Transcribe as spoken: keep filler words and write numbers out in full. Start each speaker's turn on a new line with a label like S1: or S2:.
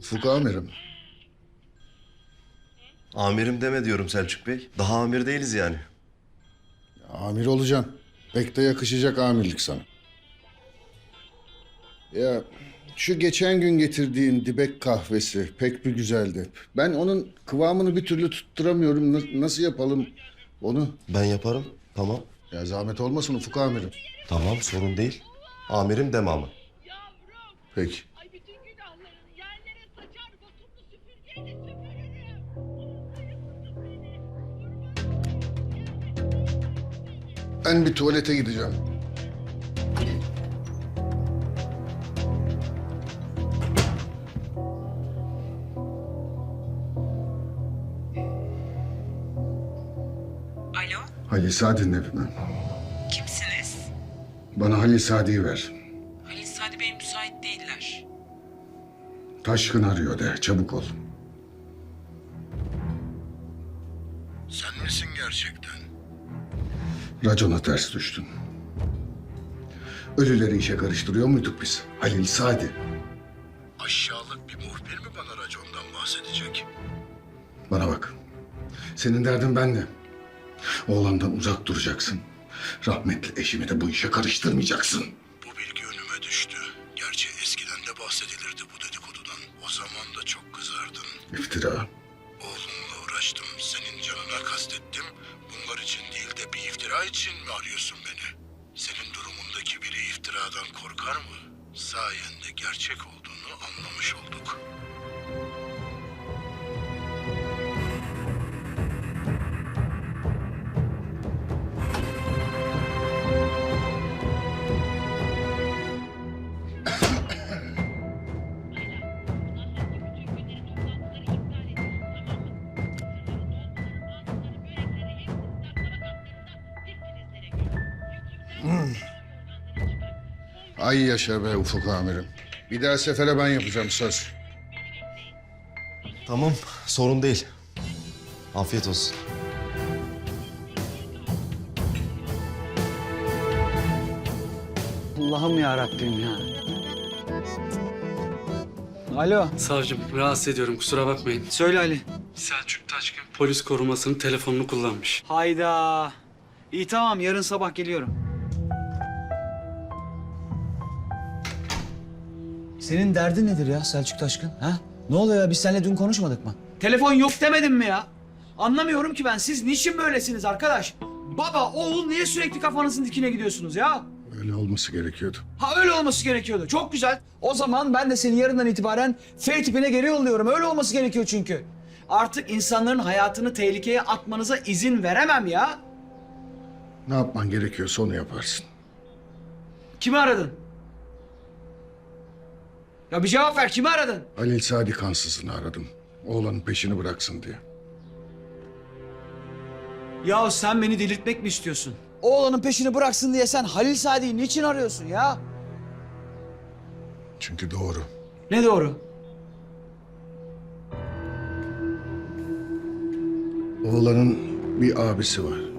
S1: Ufuk amirim.
S2: Amirim deme diyorum Selçuk Bey. Daha amir değiliz yani.
S1: Amir olacaksın. Pek de yakışacak amirlik sana. Ya şu geçen gün getirdiğin dibek kahvesi pek bir güzeldi. Ben onun kıvamını bir türlü tutturamıyorum. Na- nasıl yapalım onu?
S2: Ben yaparım. Tamam.
S1: Ya zahmet olmasın Ufuk amirim.
S2: Tamam, sorun değil. Amirim deme ama.
S3: Yavrum.
S1: Peki.
S3: Ay bütün günahlarını yerlere saçar botumlu süpürgeyle süpürürüm.
S1: Ben bir tuvalete gideceğim.
S4: Alo,
S1: Halil Sadi'nin evinden.
S4: kimsiniz?
S1: Bana Halil Sadi'yi ver.
S4: Halil Sadi Bey müsait değiller.
S1: Taşkın arıyor de, çabuk ol.
S5: Sen misin gerçekten?
S1: Racona ters düştün. Ölüleri işe karıştırıyor muyduk biz? Halil Sadi.
S5: Aşağılık bir muhbir mi bana racondan bahsedecek?
S1: Bana bak. Senin derdin benle. Oğlandan uzak duracaksın. Rahmetli eşimi de bu işe karıştırmayacaksın.
S5: Bu bilgi önüme düştü. Gerçi eskiden de bahsedilirdi bu dedikodudan. O zaman da çok kızardın.
S1: İftira.
S5: Oğlumla uğraştım. Senin canına kastettim. Bunlar için değil de bir iftira için mi arıyorsun beni? Senin durumundaki biri iftiradan korkar mı? Sayende gerçek olduğunu anlamış olduk.
S1: Ay yaşa be Ufuk amirim. Bir daha sefere ben yapacağım söz.
S2: Tamam, sorun değil. Afiyet olsun.
S6: Allah'ım ya Rabbim ya. Alo.
S7: Savcım rahatsız ediyorum kusura bakmayın.
S6: Söyle Ali.
S7: Selçuk Taşkın polis korumasının telefonunu kullanmış.
S6: Hayda. İyi tamam yarın sabah geliyorum. Senin derdin nedir ya Selçuk Taşkın? Ha? Ne oluyor ya biz seninle dün konuşmadık mı? Telefon yok demedim mi ya? Anlamıyorum ki ben. Siz niçin böylesiniz arkadaş? Baba, oğul niye sürekli kafanızın dikine gidiyorsunuz ya?
S1: Öyle olması gerekiyordu.
S6: Ha öyle olması gerekiyordu. Çok güzel. O zaman ben de seni yarından itibaren F tipine geri yolluyorum. Öyle olması gerekiyor çünkü. Artık insanların hayatını tehlikeye atmanıza izin veremem ya.
S1: Ne yapman gerekiyorsa onu yaparsın.
S6: Kimi aradın? Ya bir cevap ver. Kimi aradın?
S1: Halil Sadi kansızını aradım. Oğlanın peşini bıraksın diye.
S6: Ya sen beni delirtmek mi istiyorsun? Oğlanın peşini bıraksın diye sen Halil Sadi'yi niçin arıyorsun ya?
S1: Çünkü doğru.
S6: Ne doğru?
S1: Oğlanın bir abisi var.